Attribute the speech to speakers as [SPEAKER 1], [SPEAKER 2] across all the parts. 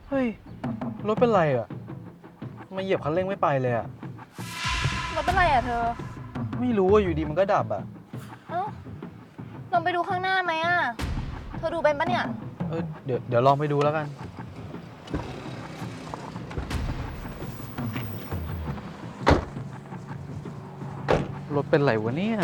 [SPEAKER 1] เฮ้ยรถเป็นไรอ่ะมาเหยียบคันเร่งไม่ไปเลยอ่ะ
[SPEAKER 2] รถเป็นไรอ่ะเธอ
[SPEAKER 1] ไม่รู้ว่าอยู่ดีมันก็ดับอ่ะ
[SPEAKER 2] เอ้าลองไปดูข้างหน้าไหมอ่ะเธอดูเป็นปะเนี่ย
[SPEAKER 1] เดี๋ยวลองไปดูแล้วกันรถเป็นไรวะเนี่ย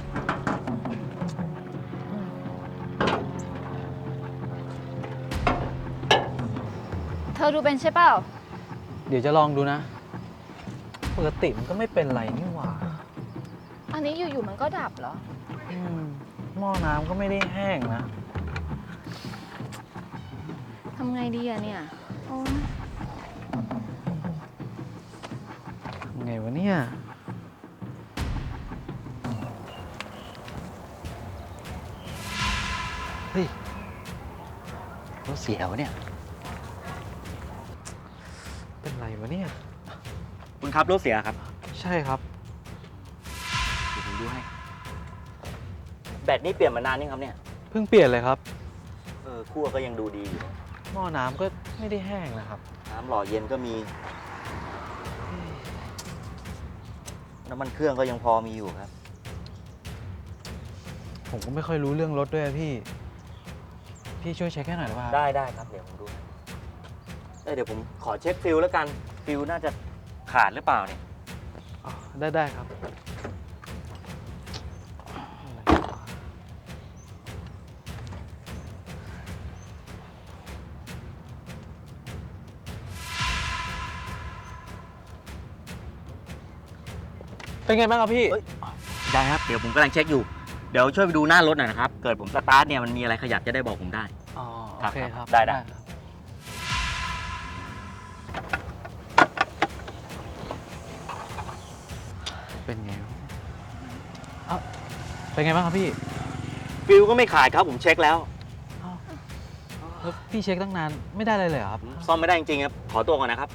[SPEAKER 2] เธอดูเป็นใช่เปล่า
[SPEAKER 1] เดี๋ยวจะลองดูนะปกติมันก็ไม่เป็นไรนี่หว่า
[SPEAKER 2] อันนี้อยู่ๆมันก็ดับเหรอ
[SPEAKER 1] หม้อน้ำก็ไม่ได้แห้งนะ
[SPEAKER 2] ทำไงดีอะเนี่ยโอ้
[SPEAKER 1] ไงวะเนี่ย
[SPEAKER 3] เฮ้ยรถเสียวะเนี่ย
[SPEAKER 1] เป็นไรวะเนี่ย
[SPEAKER 3] คุณครับรถเสียครับ
[SPEAKER 1] ใช่ครับ
[SPEAKER 3] เดี๋ยวผมดูให้แบตนี่เปลี่ยนมานานยังครับเนี่ย
[SPEAKER 1] เพิ่งเปลี่ยนเลยครับ
[SPEAKER 3] คั่วก็ยังดูดีอยู่
[SPEAKER 1] หม้อน้ำก็ไม่ได้แห้งนะครับ
[SPEAKER 3] น้ำหล่อเย็นก็มีน้ำมันเครื่องก็ยังพอมีอยู่ครับ
[SPEAKER 1] ผมก็ไม่ค่อยรู้เรื่องรถด้วยพี่ช่วยเช็คให้หน่อยได้ป่ะ
[SPEAKER 3] ได้ครับเดี๋ยวผมดูเดี๋ยวผมขอเช็คฟิลแล้วกันฟิลน่าจะขาดหรือเปล่าเนี่ย
[SPEAKER 1] ได้ครับเป็นไงบ้างครับพี่
[SPEAKER 3] ได้ครับเดี๋ยวผมกำลังเช็คอยู่เดี๋ยวช่วยไปดูหน้ารถหน่อยนะครับเกิดผมสตาร์ทเนี่ยมันมีอะไรขยับจะได้บอกผมได้
[SPEAKER 1] โอเคครับ
[SPEAKER 3] ได้
[SPEAKER 1] เป็นไงเป็นไงบ้างครับพี่
[SPEAKER 3] ฟิลก็ไม่ขาดครับผมเช็คแล้ว
[SPEAKER 1] แล้วพี่เช็คตั้งนานไม่ได้เลยเหรอครับ
[SPEAKER 3] ซ่อมไม่ได้จริงๆครับขอตัวก่อนนะครับ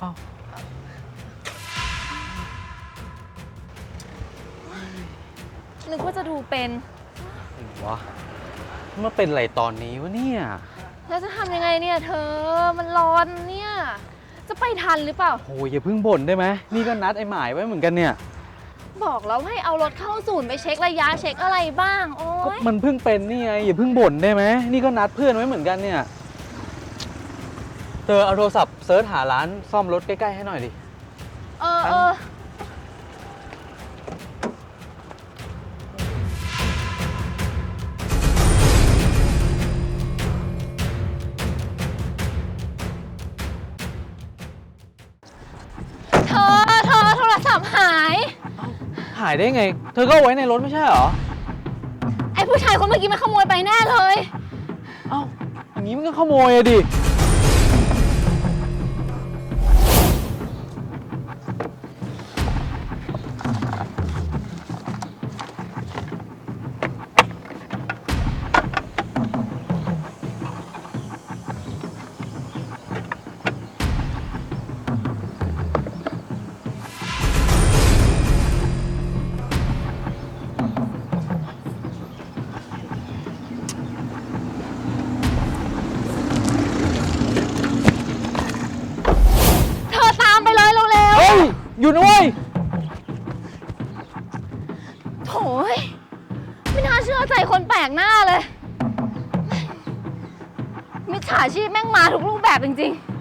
[SPEAKER 2] นึกว่าจะดูเป็น
[SPEAKER 1] วะมาเป็นไรตอนนี้วะเนี่ย
[SPEAKER 2] แล้วจะทำยังไงเนี่ยเธอมันร้อนเนี่ยจะไปทันหรือเปล่า
[SPEAKER 1] โอ้ยอย่าเพิ่งบ่นได้ไหมนี่ก็นัดไอ้หมายไว้เหมือนกันเนี่ย
[SPEAKER 2] บอกแล้วให้เอารถเข้าศูนย์ไปเช็คระยะเช็คอะไรบ้างโอ้ย
[SPEAKER 1] มันเพิ่งเป็นนี่ไงอย่าเพิ่งบ่นได้ไหมนี่ก็นัดเพื่อนไว้เหมือนกันเนี่ยเธอเอาโทรศัพท์เซิร์ชหาร้านซ่อมรถใกล้ๆให้หน่อยดิ
[SPEAKER 2] เธอโทรศัพท์
[SPEAKER 1] หายได้ไงเธอก็เอาไว้ในรถไม่ใช่เหรอ
[SPEAKER 2] ไอ้ผู้ชายคนเมื่อกี้มันขโมยไปแน่เลย
[SPEAKER 1] อย่างนี้มันก็ขโมยอะดิอยู่นะเว้ย
[SPEAKER 2] โถ่ไม่น่าเชื่อใจคนแปลกหน้าเลยมิจฉาชีพแม่งมาทุกรูปแบบจริงๆ